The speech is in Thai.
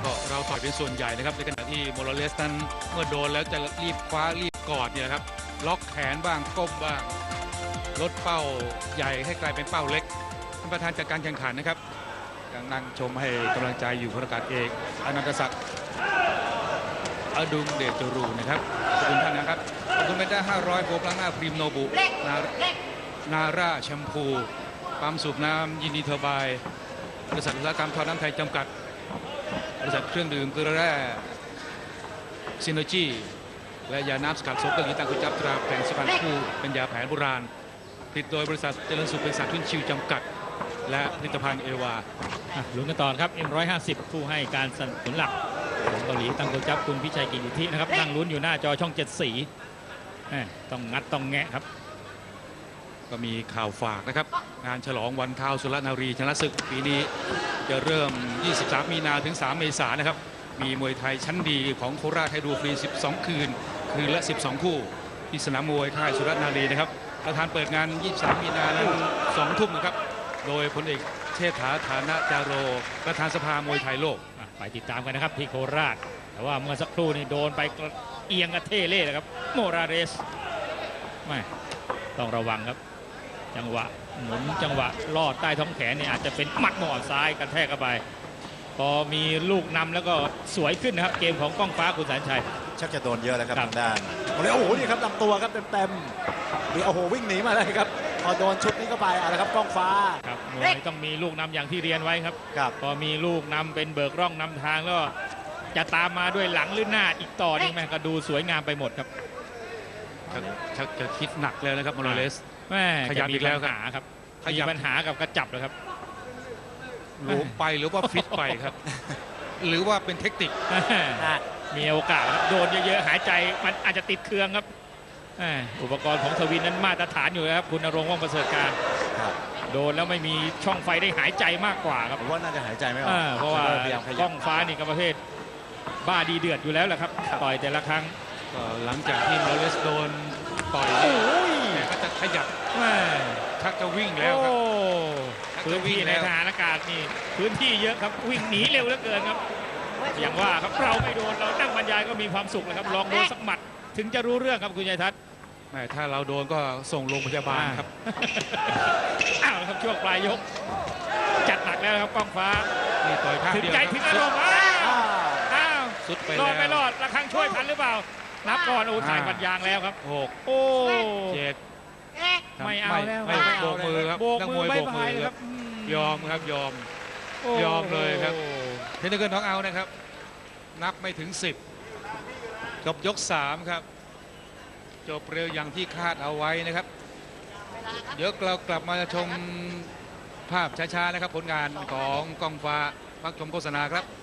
ก็เราต่อยเป็นส่วนใหญ่นะครับในขณะที่โมราเลสนั้นเมื่อโดนแล้วจะรีบคว้ารีบกอดเนี่ยครับล็อกแขนบ้างก้มบ้างลดเป้าใหญ่ให้กลายเป็นเป้าเล็กท่านประธานจัดการแข่งขันนะครับยังนั่งชมให้กำลังใจอยู่พลอากาศเอกอนันตศักดิ์อดุงเดชจรูนะครับขอบคุณท่านนะครับขอบคุณเป็นได้500โบกล้างหน้าพรีมโนบุนาร่าแชมพูปั๊มสูบน้ำยินดีเทอร์บายบริษัทอุตสาหกรรมท่อน้ำไทยจำกัดบริษัทเครื่องดื่มเกลือแร่ซินโนจีและยาน้ำสกัดโซเกอร์ลีตังกุจับตราแผงสุพรรณคู่เป็นยาแผนโบราณผลิตโดยบริษัทเจริญสุขเป็นสัตว์ทุ่นชิวจำกัดและผลิตภัณฑ์เอวาลุ้นกันต่อครับ M150 ผู้ให้การสนับสนุนหลักของเกาหลีตังโกจับคุณพิชัยกิติธินะครับนั่งลุ้นอยู่หน้าจอช่อง7 สีต้องงัดต้องแงะครับก็มีข่าวฝากนะครับงานฉลองวันข้าวสุรนารีชนะศึกปีนี้จะเริ่ม23 มีนาถึง3 เมษายนนะครับมีมวยไทยชั้นดีของโคราชให้ดูฟรี12 คืนละ 12 คู่ที่สนามมวยค่ายสุรนารีนะครับประธานเปิดงาน23 มีนานั้น2 ทุ่มนะครับโดยพลเอกเชษฐาฐานะจาโรประธานสภามวยไทยโลกไปติดตามกันนะครับที่โคราชแต่ว่าเมื่อสักครู่นี่โดนไปเอียงกระเทเล่เลยครับโมราเรสไม่ต้องระวังครับจังหวะหมุนจังหวะลอดใต้ท้องแขนนี่อาจจะเป็นหมัดหมอซ้ายกระแทกเข้าไปพอมีลูกนำแล้วก็สวยขึ้นนะครับเกมของก้องฟ้าคุณแสนชัยชักจะโดนเยอะแล้วครับทางด้านโอ้โหนี่ครับลำตัวครับเต็มๆนี่โอ้โหวิ่งหนีมาเลยครับพอโดนชุดนี้เข้าไปอะไรครับก้องฟ้าครับมวยต้องมีลูกนำอย่างที่เรียนไว้ครับพอมีลูกนำเป็นเบิกร่องนำทางแล้วจะตามมาด้วยหลังหรือหน้าอีกต่อนี่แม่ก็ดูสวยงามไปหมดครับชักจะคิดหนักแล้วนะครับโมราเลสแม่ขยับอีกแล้วครับมีปัญหากับกระจับเลยครับหลวมไปหรือว่าฟิตไปครับหรือว่าเป็นเทคนิคมีโอกาสครับโดนเยอะๆหายใจมันอาจจะติดเครื่องครับอุปกรณ์ของทวินนั้นมาตรฐานอยู่นะครับคุณณรงค์ ว่องประเสริฐการโดนแล้วไม่มีช่องไฟได้หายใจมากกว่าครับผมว่าน่าจะหายใจไม่ออกเพราะว่ากล้องฟ้านี่ก็ประเภทบ้าดีเดือดอยู่แล้วแหละครับต่อยแต่ละครั้งหลังจากที่โมราเลสโดนต่อยก็จะขยับชักจะวิ่งแล้วครับพื้นที่ในทหารอากาศนี่พื้นที่เยอะครับวิ่งหนีเร็วเหลือเกินครับอย่างว่าครับเราไม่โดนเรานั่งบรรยายก็มีความสุขเลยครับลองโดนสักหมัดถึงจะรู้เรื่องครับคุณชัยทัศน์ถ้าเราโดนก็ส่งโรงพยาบาลครับอ้าวครับช่วงปลายยกจัดหนักแล้วครับก้องฟ้านี่ต่อยข้างเดียวถึงใจถึงอารมณ์อ้าวสุดไปรอดไม่รอดระฆังช่วยทันหรือเปล่านับก่อนถ่ายปัญญางแล้วครับ 6 โอ้ 7 ไม่เอาแล้วไม่โบกมือครับนักมวยโบกมือครับยอมครับยอมเลยครับเทนนิสเกิลน็อกเอาท์นะครับนับไม่ถึง10จบยก3ครับจบเร็วอย่างที่คาดเอาไว้นะครับเดี๋ยวเรากลับมาชมภาพช้าๆนะครับผลงานของก้องฟ้าพักชมโฆษณาครับ